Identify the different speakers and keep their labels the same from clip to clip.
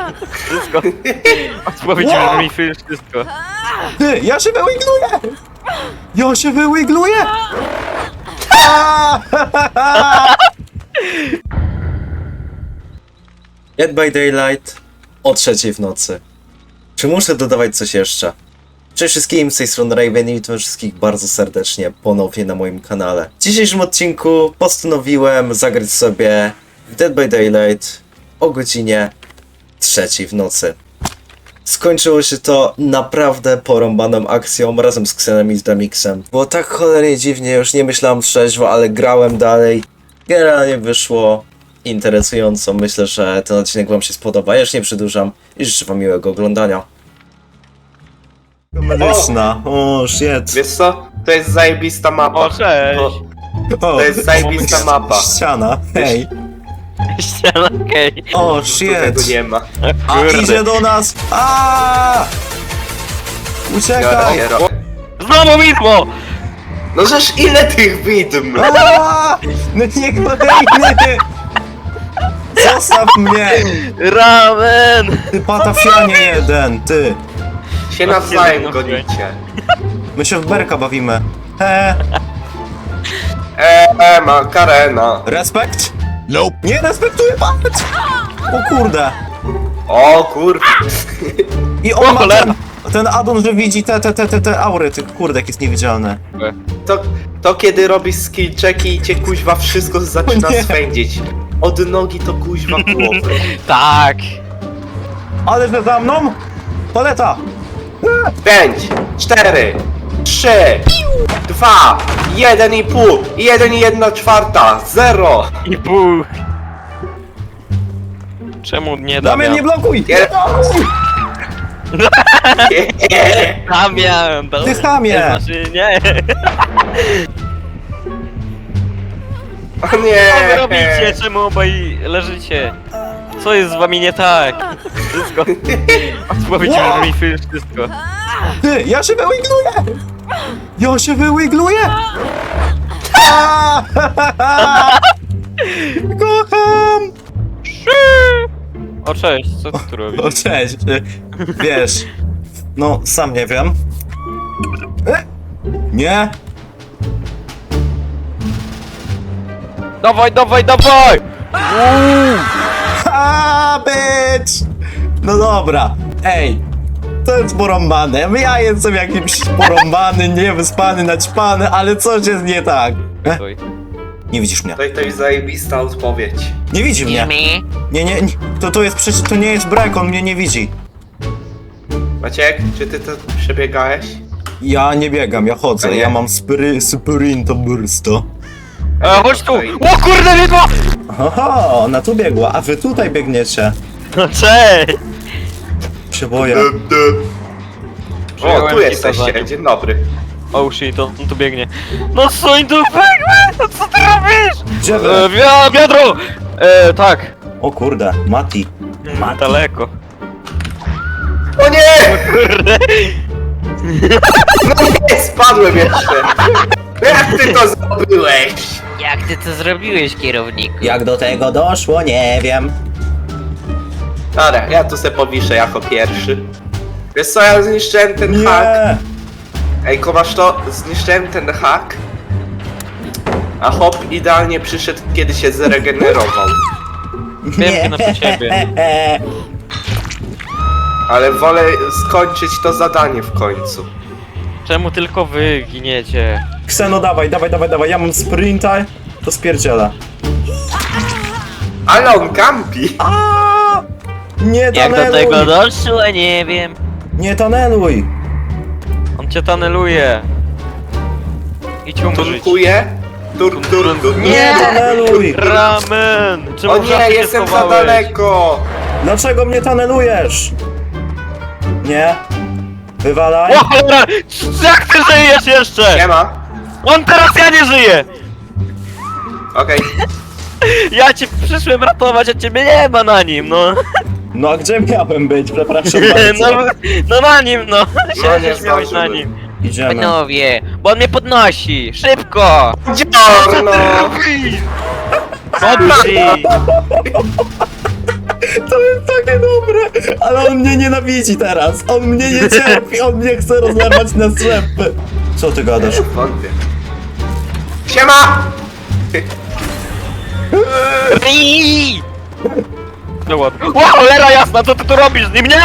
Speaker 1: Wszystko. Odpowiedź brzmi wszystko.
Speaker 2: Ty, ja się wyłigluję! Ja się wyłigluję! Dead by Daylight o 3 w nocy. Czy muszę dodawać coś jeszcze? Cześć wszystkim, z tej strony Raven i witam wszystkich bardzo serdecznie ponownie na moim kanale. W dzisiejszym odcinku postanowiłem zagrać sobie w Dead by Daylight o godzinie 3 w nocy. Skończyło się to naprawdę porąbaną akcją razem z Xenem i z Damixem. Było tak cholernie dziwnie, już nie myślałem trzeźwo, ale grałem dalej. Generalnie wyszło interesująco. Myślę, że ten odcinek wam się spodoba. Ja już nie przedłużam i życzę wam miłego oglądania. Medyczna, o shit.
Speaker 3: Wiesz co? To jest zajebista mapa.
Speaker 1: O, cześć!
Speaker 3: To jest zajebista mapa.
Speaker 2: Ściana, hej.
Speaker 1: Ściana, okej.
Speaker 2: O
Speaker 3: Tego
Speaker 2: shit.
Speaker 3: nie ma.
Speaker 2: A idzie do nas. Uciekaj.
Speaker 1: Znowu widmo!
Speaker 3: No żeż ile tych widm?
Speaker 2: No nie kolejny. Zostaw mnie.
Speaker 1: Ramen!
Speaker 2: Ty patafianie jeden, ty.
Speaker 3: Się nawzajem gonicie.
Speaker 2: My się w berka bawimy.
Speaker 3: Makarena.
Speaker 2: Respekt? Nope. Nie respektuję, patrz! O kurde.
Speaker 3: O kur...
Speaker 2: I on ma ten addon, że widzi te aury tych kurdek jest niewidzialne.
Speaker 3: To kiedy robisz skill checki i cię kuźwa wszystko zaczyna
Speaker 2: nie.
Speaker 3: swędzić. Od nogi to kuźwa głowy.
Speaker 1: Tak!
Speaker 2: Ale że za mną? Paleta!
Speaker 3: 5, 4, 3, 2, 1,5, 1,1/4, 0.
Speaker 1: I pół! Czemu nie
Speaker 2: Damian, nie blokuj!
Speaker 3: Nie.
Speaker 1: Damian!
Speaker 2: Ty chamie!
Speaker 1: Znaczy, nie!
Speaker 3: O
Speaker 1: Co wy
Speaker 3: nie!
Speaker 1: robicie? Czemu obaj leżycie? Co jest z wami nie tak? Wszystko. Odpowiedź brzmi wszystko.
Speaker 2: Ty, ja się wyłigluję! Ja się wyłigluję! Kocham!
Speaker 1: O, cześć, co ty tu robisz?
Speaker 2: O cześć, wiesz, no sam nie wiem. Nie?
Speaker 1: Dawaj, dawaj, dawaj!
Speaker 2: Bitch! No dobra, ej, to jest porąbane. Ja jestem jakimś porąbany, niewyspany, naćpany, ale coś jest nie tak.
Speaker 1: Oj.
Speaker 2: Nie widzisz mnie.
Speaker 3: To jest zajebista odpowiedź.
Speaker 2: Nie widzi mnie. Nie, to jest przecież, to nie jest brek, on mnie nie widzi.
Speaker 3: Maciek, czy ty to przebiegałeś?
Speaker 2: Ja nie biegam, ja chodzę,
Speaker 3: A nie?
Speaker 2: ja mam sprinto bursto.
Speaker 1: Chodź tu! O kurde, widmo!
Speaker 2: Oho, ona tu biegła, a wy tutaj biegniecie.
Speaker 1: No cześć!
Speaker 2: Się boję.
Speaker 3: O,
Speaker 1: Przyjąłem
Speaker 3: tu
Speaker 1: ci
Speaker 3: jesteście,
Speaker 1: to
Speaker 3: dzień dobry.
Speaker 1: Oh shit, on tu biegnie. No suń tu biegnie! No co ty robisz?
Speaker 2: Gdzie wy?
Speaker 1: Wiadro! Tak.
Speaker 2: O kurde, Mati.
Speaker 1: Daleko.
Speaker 3: O nie!
Speaker 1: Kurde.
Speaker 3: No nie, spadłem jeszcze. Jak ty to zrobiłeś?
Speaker 1: Jak ty to zrobiłeś, kierowniku?
Speaker 2: Jak do tego doszło, nie wiem.
Speaker 3: Dobra, ja tu se powiszę jako pierwszy. Wiesz co, ja zniszczyłem ten hak.
Speaker 2: Nie!
Speaker 3: Ej, komasz to? Zniszczyłem ten hak. A hop idealnie przyszedł, kiedy się zregenerował.
Speaker 1: Wiem, na ciebie.
Speaker 3: Ale wolę skończyć to zadanie w końcu.
Speaker 1: Czemu tylko wy giniecie?
Speaker 2: Kseno, dawaj, ja mam sprinta, to spierdziela.
Speaker 3: Ale on kampi!
Speaker 2: Nie
Speaker 1: Jak do
Speaker 2: taneluj!
Speaker 1: tego doszło, nie wiem.
Speaker 2: Nie taneluj!
Speaker 1: On cię taneluje. Idź umrzeć.
Speaker 3: Tunkuje? Tur.
Speaker 2: Nie taneluj!
Speaker 1: Ramen! Czemu
Speaker 3: O
Speaker 1: w
Speaker 3: nie,
Speaker 1: żabce się
Speaker 3: jestem za
Speaker 1: schowałeś?
Speaker 3: daleko!
Speaker 2: Dlaczego mnie tanelujesz? Nie? Wywalaj?
Speaker 1: O cholera! Jak ty żyjesz jeszcze?
Speaker 3: Nie ma.
Speaker 1: On teraz ja nie żyję!
Speaker 3: Okej.
Speaker 1: Ja cię przyszłem ratować, a ciebie nie ma na nim, no.
Speaker 2: No a gdzie miałem być? Przepraszam
Speaker 1: No,
Speaker 2: bardzo.
Speaker 1: no na nim, no.
Speaker 3: nie
Speaker 1: Siedzisz, miałeś na
Speaker 3: zdążyłem.
Speaker 1: nim.
Speaker 2: Idziemy.
Speaker 1: Panowie, bo on mnie podnosi! Szybko!
Speaker 3: Dziorno!
Speaker 1: Podnosi!
Speaker 2: To jest takie dobre, ale on mnie nienawidzi teraz. On mnie nie cierpi, on mnie chce rozlewać na strzępy. Co ty gadasz?
Speaker 3: Wątpię. Siema!
Speaker 1: Rii! No ładnie. Wow, cholera jasna, co ty tu robisz z nim? Nie!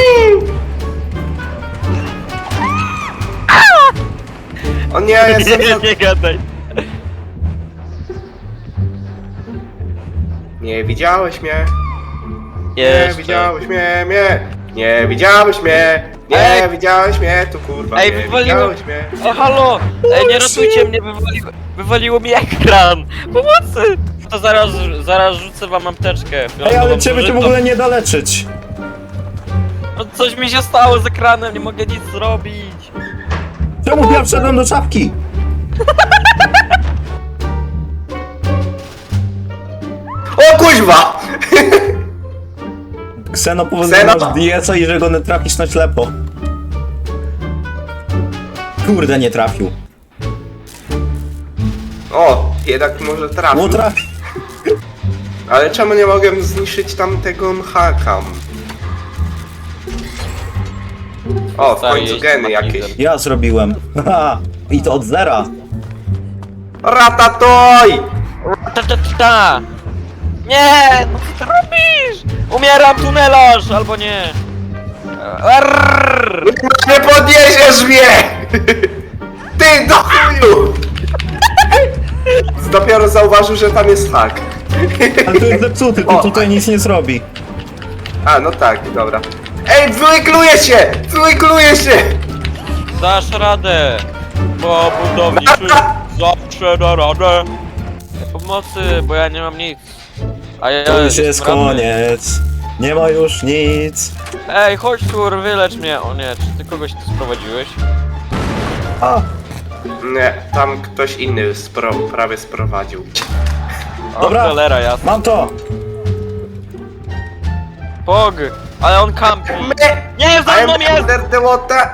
Speaker 3: O nie, jestem...
Speaker 1: Nie gadaj.
Speaker 3: Nie widziałeś mnie. Nie
Speaker 1: Jeszcze.
Speaker 3: widziałeś mnie. Nie widziałeś mnie. Nie
Speaker 1: Ej.
Speaker 3: widziałeś mnie, tu kurwa.
Speaker 1: Ej,
Speaker 3: nie
Speaker 1: wywaliło-
Speaker 3: widziałeś mnie.
Speaker 1: Halo! Ej, nie ratujcie mnie, wywaliło mi ekran! Pomocy! To zaraz rzucę wam apteczkę.
Speaker 2: Ej, ale ciebie tu w ogóle nie da leczyć.
Speaker 1: No coś mi się stało z ekranem, nie mogę nic zrobić.
Speaker 2: Czemu ja wszedłem do czapki?
Speaker 3: O kuźwa!
Speaker 2: Kseno powiedział, że
Speaker 3: Kseno!
Speaker 2: masz diecę i że go nie trafisz na ślepo. Kurde, nie trafił.
Speaker 3: O, jednak może trafił.
Speaker 2: Bo trafił.
Speaker 3: Ale czemu nie mogę zniszczyć tamtego haka? O, w
Speaker 1: Stary,
Speaker 3: końcu
Speaker 1: jeźdź
Speaker 3: geny
Speaker 1: makizem.
Speaker 3: jakieś.
Speaker 2: Ja zrobiłem. Haha. I to od zera.
Speaker 3: Ratatoj!
Speaker 1: Ta. Nie! No co ty robisz? Umieram, tunelarz! Albo nie. Arrrr.
Speaker 3: Nie podniesiesz mnie! Ty do chuju! Dopiero zauważył, że tam jest hak.
Speaker 2: Ale to jest zepsuty, to
Speaker 3: O.
Speaker 2: tutaj nic nie zrobi.
Speaker 3: A, no tak, dobra. Ej, wykluje się! Wykluje się!
Speaker 1: Dasz radę! Bo budowniczy zawsze da radę! Pomocy, bo ja nie mam nic. A ja
Speaker 2: To już jest
Speaker 1: sprawny.
Speaker 2: koniec. Nie ma już nic.
Speaker 1: Ej, chodź tu, wylecz mnie! O nie, czy ty kogoś tu sprowadziłeś?
Speaker 2: A,
Speaker 3: Nie, tam ktoś inny prawie sprowadził.
Speaker 1: O,
Speaker 2: Dobra.
Speaker 1: cholera, jasna.
Speaker 2: mam to.
Speaker 1: Pog! Ale on kampi! Nie, za mną jest!
Speaker 3: under the water!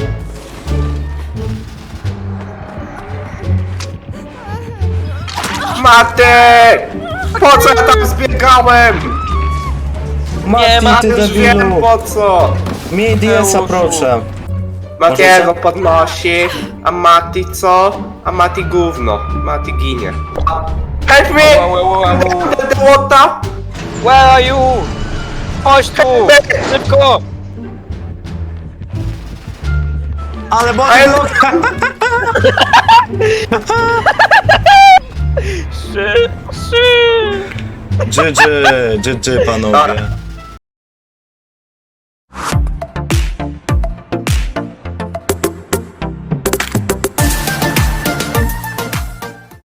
Speaker 3: Matek! Po co ja tam zbiegałem?
Speaker 1: Nie,
Speaker 2: Mati, ty
Speaker 1: Mateusz,
Speaker 3: Już wiem
Speaker 2: debilu.
Speaker 3: po co!
Speaker 2: Miej diesa,
Speaker 1: Mateuszu.
Speaker 2: proszę.
Speaker 3: Matiego
Speaker 2: Może
Speaker 3: podnosi, a Mati co? A Mati gówno. Mati ginie. Help me! Under the water!
Speaker 1: Where are you? Chodź tu! Szybko!
Speaker 2: Ale bo...
Speaker 1: Szy!
Speaker 2: GG, GG panowie.
Speaker 3: Dobra.